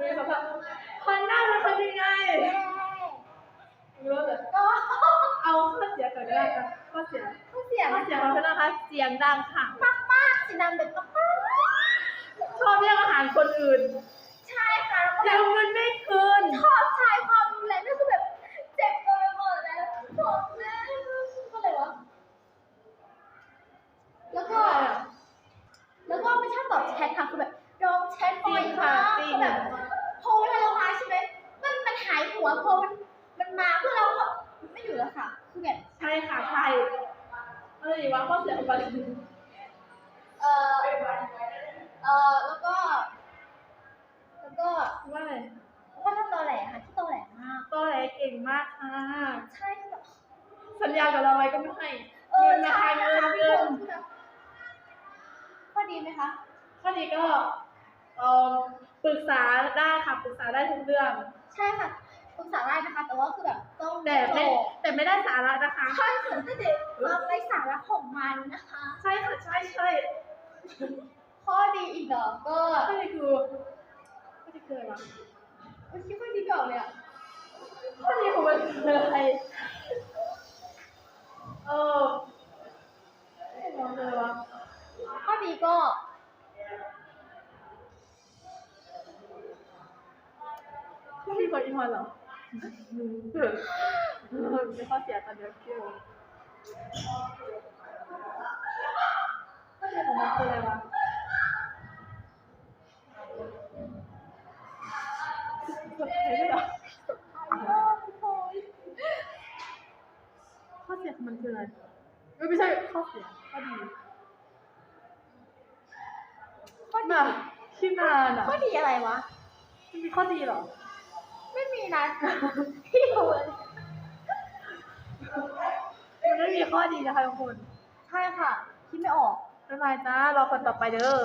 ดูสภาพคนหน้ามันเป็นยังไงเยอะเลยก็เอาข้อเสียก่อนก็ได้ค่ะข้อเสียเราเป็นนะคะเสียงดังค่ะมากๆสีดำเด็กมากชอบแย่งอาหารคนอื่นใช่ค่ะเดี๋ยวมันไม่คืนชอบใช้ความรุนแรงนี่คือแบบเจ็บตัวไปหมดแล้วผมแม่ก็เลยวะแล้วก็ไม่ชอบตอบแชทค่ะคือแบบร้องแชทบ่อยมากคือแบบพอเวลาเรามาใช่ไหมมันหายหัวพอมันมาเพื่อเราไม่อยู่แล้วค่ะคือแบบใช่ค่ะใช่อะไรวะข้อเสียของมันแล้วก็ว่าอะไรก็ทำตอแหลค่ะที่ตอแหลมากตอแหลเก่งมากค่ะใช่แบบสัญญากับเราไว้ก็ไม่ให้ใช่เงินข้อดีไหมคะข้อดีก็ปรึกษาได้ค่ะปรึกษาได้ทุกเรื่องใช่ค่ะปรึกษาได้นะคะแต่ว่าคือแบบต้องแต่ไม่ได้สาระนะคะใช่ค่ะแต่เด็กความไร้สาระของมันนะคะใช่ค่ะใช่ข้อดีอีกเหรอก็ข้อดีคืออะไรวะคิดว่าดีก่อนเลยอ่ะข้อดีของมันคืออะไรมองเลยวะข้อดีก็ไม่มีคนอินวันหรอไม่ข้อเสียตอนเดียวเกี่ยวข้อเสียของมันคืออะไรวะข้อเสียของมันคืออะไรไม่ใช่ข้อเสียข้อดีแบบที่นานอ่ะข้อดีอะไรวะมันมีข้อดีหรอไม่มีนะพี่ดูเลยมันไม่มีข้อดีนะคะทุกคนใช่ค่ะคิดไม่ออกบ๊ายบายจ้ารอคนต่อไปเด้อ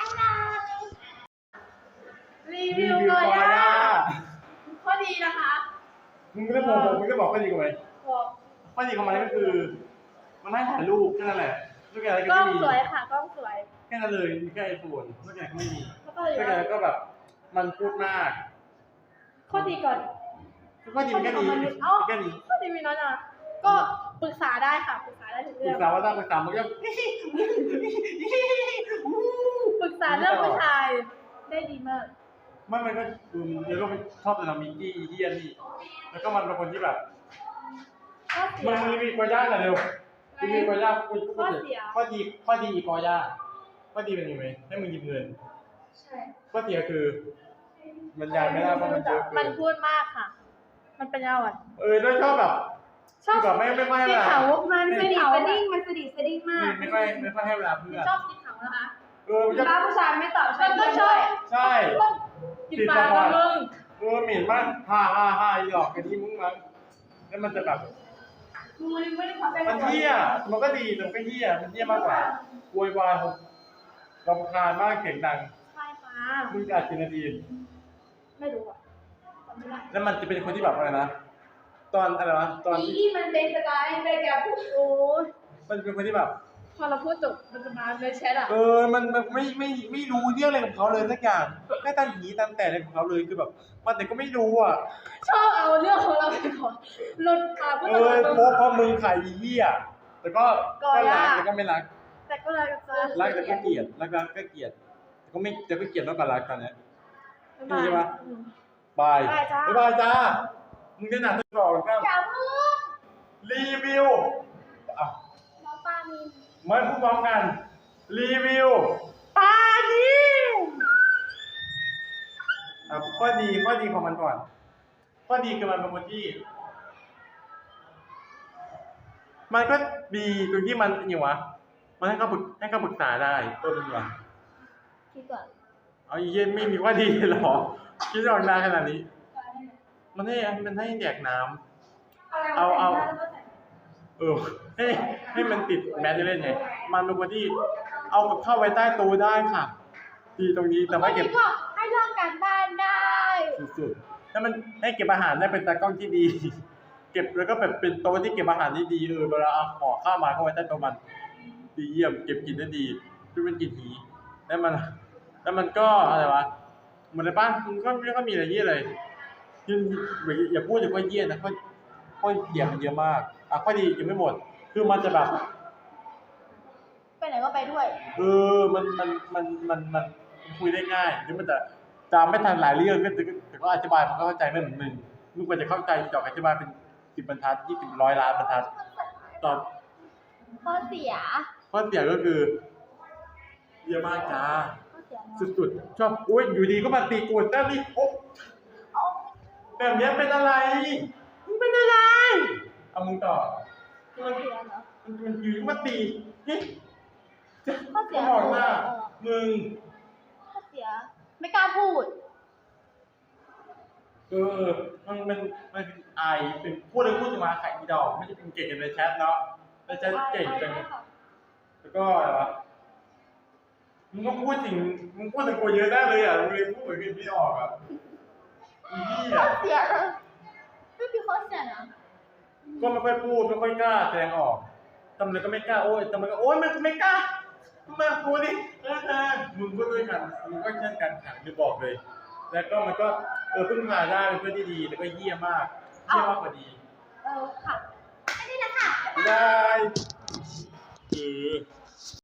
รีวิวเลยข้อดีนะคะมึงก็บอกข้อดีกูไหมข้อดีของมันก็คือมันให้ถ่ายรูปแค่นั้นแหละลูกแกอะไรก็ไม่มีกล้องสวยค่ะกล้องสวยแค่นั้นเลยมีแค่ไอโฟนลูกแกก็ไม่มีลูกแกก็แบบมันพูดมากข้อดีก่อนข้อดีแค่นี้แค่นี้ข้อดีมีน้อยนะก็ปรึกษาได้ค่ะปรึกษาได้ทุกเรื่องปรึกษาว่าต้องปรึกษามันก็ปรึกษาเรื่องผู้ชายได้ดีมากมันก็เดี๋ยวก็ชอบแต่เรามีกี้เฮียนี่แล้วก็มันเป็นคนที่แบบมันมีกอย่าหน่อยเร็วมีกอย่าพูดข้อดีกอย่าข้อดีเป็นยังไงให้มึงหยิบเงินใช่ข้อเสียคือมันยายไม่ได้เพราะมันเยอะมันพูดมากค่ะมันเป็นยาวอ่ะแล้วชอบแบบไม่ค่อยให้เวลามันสดิสดิ้งมากไม่ค่อยให้เวลาเพื่อนชอบกินเขานะคะถ้าผู้ชายไม่ตอบฉันก็ชอบใช่กินปลากับมึงหมิ่นมากฮ่าหยอกกันที่มึงมั้งแล้วมันจะแบบมันเหี้ยมันก็ดีแต่ก็เหี้ยมันเหี้ยมากกว่าโวยวายรำคาญมากเสียงดังใช่ค่ะมึงอัดกี่นาทีไม่รู้อ่ะแล้วมันจะเป็นคนที่แบบอะไรนะตอนอะไรวะตอนที่มันเป็นสไตล์ในการพูดโอ้มันเป็นคนที่แบบพอเราพูดจบมันจะมาในแชทอ่ะมันไม่รู้เรื่องอะไรกับเขาเลยสักอย่างแค่ตันหีตันแต่อะไรของเขาเลยคือแบบมันแต่ก็ไม่รู้อ่ะชอบเอาเรื่องของเราไปก่อนหลุดขาพูดเพราะมึงขายเหี้ยแต่ก็รักแต่ก็ไม่รักแต่ก็รักแต่ก็เกลียดรักก็เกลียดแต่ก็ไม่จะไม่เกลียดมากกว่ารักกันเนี่ยใช่ปะบายจ้ามึงจะหนักตัวก่อนครับอย่าเพิ่งรีวิวน้องปามีมันพูดพร้อมกันรีวิวปานีข้อดีของมันก่อนข้อดีคือมันเป็นคนที่มันก็ดีตรงที่มันอย่างวะมันให้เขาปรึกษาได้ต้นดีกว่าคิดก่อนเอาเย็นไม่มีข้อดีหรอคิดออกนานขนาดนี้มันให้แดกน้ำเอาให้มันติดแมสเล่นไงมันเป็นคนที่เอากับข้าวไว้ใต้โต๊ะได้ค่ะดีตรงนี้แต่ไม่เก็บให้ลองการบ้านได้สุดๆถ้ามันให้เก็บอาหารได้เป็นตากล้องที่ดีเก็บแล้วก็แบบเป็นโต๊ะที่เก็บอาหารที่ดีเวลาเอาห่อข้าวมาก็ไว้ใต้โต๊ะมันดีเยี่ยมเก็บกินได้ดีด้วยมันกินหีแล้วมันก็อะไรวะเหมือนในบ้านมันก็ไม่ค่อยมีอะไรเยี่ยเลยอย่าพูดถึงว่าเยี่ยนะข้อเสียมันเยอะมากข้อดียังไม่หมดคือมันจะแบบไปไหนก็ไปด้วยมันคุยได้ง่ายหรือมันจะจำไม่ทันหลายเรื่องแต่ก็อธิบายมันก็เข้าใจไม่เหมือนมึงกว่าจะเข้าใจจอกอธิบายเป็น10 บรรทัด20 100 ล้านบรรทัดตอบข้อเสียข้อเสียก็คือเยอะมากจ้าข้อเสียเนอะสุดๆชอบอุ้ยอยู่ดีก็มาตีกูแต่นี่โอ๊ะแบบนี้เป็นอะไรมึงเป็นอะไรเอามึงต่อข้อเสียเนาะมันอยู่ดีก็มาตีนี่ข้อเสียบอกหน้ามึงข้อเสีย ไม่กล้าพูดมันอายเป็นพูดเลยพูดจะมาขายอีดอกไม่ใช่เป็นเก่งกันในแชทเนาะในแชทเก่งจังแล้วก็อะไรวะมึงก็พูดจริงมึงพูดแต่กูเยอะได้เลยอ่ะมึงเลยพูดเหมือนกันไม่ออกอ่ะอีนี่ข้ออ่ะเสียนะไม่มีข้อเสียนะก็ไม่ค่อยพูดไม่ค่อยกล้าแสดงออกทำอะไรก็ไม่กล้าโอ้ยทำอะไรก็โอ้ยมันไม่กล้ามากูดิมึงก็ด้วยกันมึงก็เช่นกันค่ะจะบอกเลย แล้วก็มันก็พึ่งพาได้เป็นเพื่อนที่ดีแล้วก็เยี่ยมมากกว่าดีค่ะอันนี้แหละค่ะได้